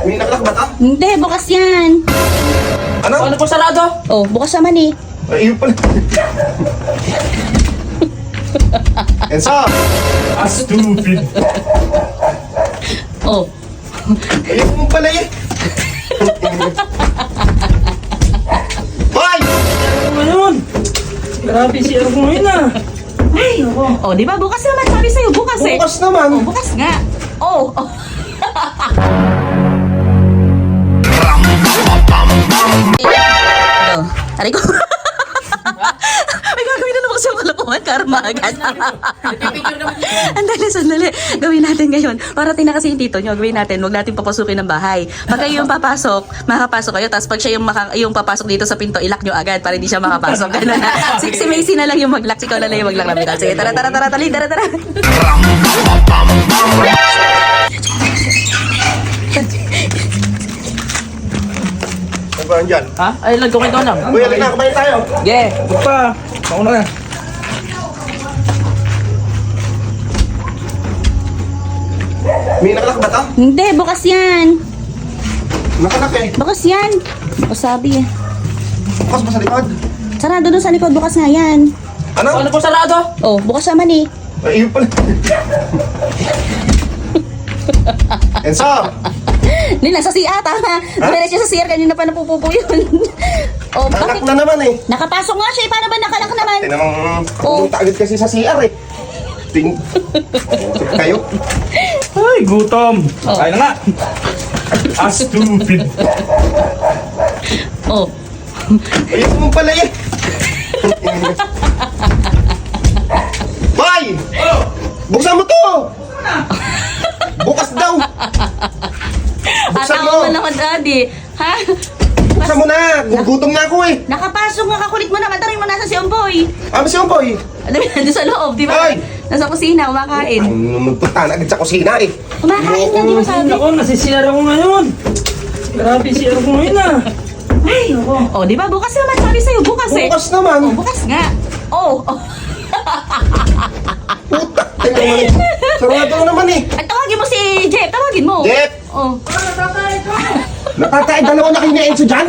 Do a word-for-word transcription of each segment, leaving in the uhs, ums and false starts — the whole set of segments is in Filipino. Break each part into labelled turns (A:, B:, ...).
A: May nakalak ba ka?
B: Hindi, bukas yan.
A: Ano?
C: Ano po sarado?
B: Oh, bukas naman eh.
A: Ay, yun pala. Enzo!
C: Ah, stupid.
B: Oh.
A: Ayun mo pala eh. Hoy!
C: Ano ngayon? Grabe si Ero ko ngayon ah. Ay, ako.
B: Oh, di ba? Bukas naman. Sabi sa'yo, bukas eh.
A: Bukas naman.
B: Oh, bukas nga. Oh. oh. Oh, aray ko. May gagawin na naman kasi ang kalokohan. Karma agad. Andali, sandali. Gawin natin ngayon. Parating na kasi yung tito nyo. Gawin natin. Huwag natin papasukin ng bahay. Pag kayo yung papasok, makapasok kayo. Tapos pag siya yung, maka, yung papasok dito sa pinto, ilak nyo agad para hindi siya makapasok. Ganun na. Si, si Macy na lang yung mag-lock. Ikaw na lang yung mag-lock na. Sige, tara, tara, tara, tali, tara, tara.
A: Ano ba yan?
C: Ha? Ay, lag ko kayo lang.
A: Uy, alin na, kumain tayo.
C: Yeah, huwag pa. Ako na.
A: May nakalak ba ka?
B: Hindi, bukas yan.
A: Nakalak eh.
B: Bukas yan. O sabi eh.
A: Bukas ba sa likod?
B: Sarado doon sa likod. Bukas nga yan.
A: Ano?
C: Ano po sarado?
B: Oh, bukas naman eh.
A: Ay, yun pala. Enzo!
B: Hindi, nasa C R, tama. Dumiretso siya sa C R, kanina pa napupupo yun. Oh,
A: Nakalak
B: bakit?
A: na naman eh.
B: Nakapasok nga siya eh. Paano ba nakalak naman?
A: Tinamang
B: Oh.
A: pumunta agad kasi sa C R eh. Ting... Kayo?
C: Ay, gutom.
B: Oh.
C: Kaya na nga. Ah, stupid.
B: Oh.
A: Ayun mo pala eh. Hoy! Buksan mo to! Bukas daw! Buksan mo!
B: Atawa mo naman, daddy. Ha?
A: Buksan mo na! Gugutom na ako eh!
B: Nakapasok nga, kakulit mo naman. Tarin mo nasa si Omboy.
A: Ah, si Omboy!
B: Alam mo, nandun sa loob, di ba?
A: Ay!
B: Nasa kusina, kumakain.
A: Ang magpunta na agad sa kusina eh.
B: Kumakain na, di ba sabi?
C: Ako, nasisira ko ngayon. Grabe si Ero ko ngayon ah. Ay, ako.
B: Oh, di ba? Bukas naman, sabi sa'yo, bukas eh.
A: Bukas naman!
B: Oh, bukas nga. Oh, oh.
A: Puta! Tingnan mo na. Sarado na naman eh.
B: At tawagin mo si Jeff, tawagin mo.
A: Jeff!
B: Oh.
A: Natatay, dalawa na kayo na Enzo dyan!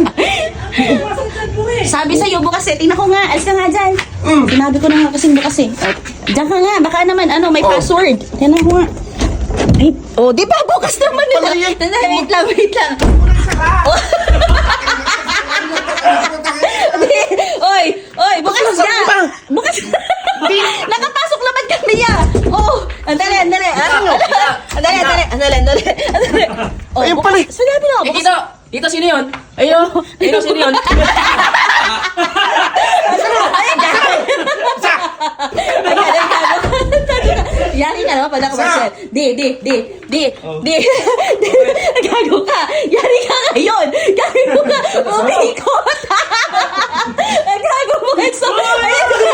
B: Sabi sa'yo, bukas eh. Tingnan ko nga, alis ka nga dyan.
A: Mm.
B: Sinabi ko na nga kasing bukas eh. Oh, diyan ka nga, baka naman ano, may
A: Oh.
B: password. Tingnan ko nga. Ay, oh, di ba? Bukas naman nila.
A: Palay eh.
B: Tanda, wait lang, wait lang. Oh. Oy, oy, bukas
A: Bukas
B: nga.
A: na.
B: Bukas. Nakapasok naman kami niya. Oh, andali, andali. Andali, andali, andali, andali, andali. andali. Oh,
A: Ayun
B: bukas.
A: pala eh.
B: Sinabi na,
C: Eh,
B: bukas.
C: Tito, Tito, sino yun? Ayun, ayun, sino yun?
B: Ay, gagawin. Yari ka naman pala commercial. Di, di, di, di, di, di. Gago ka. Yari ka ngayon. Gago ka. Umikot. Gago mo. Exo. Ayun.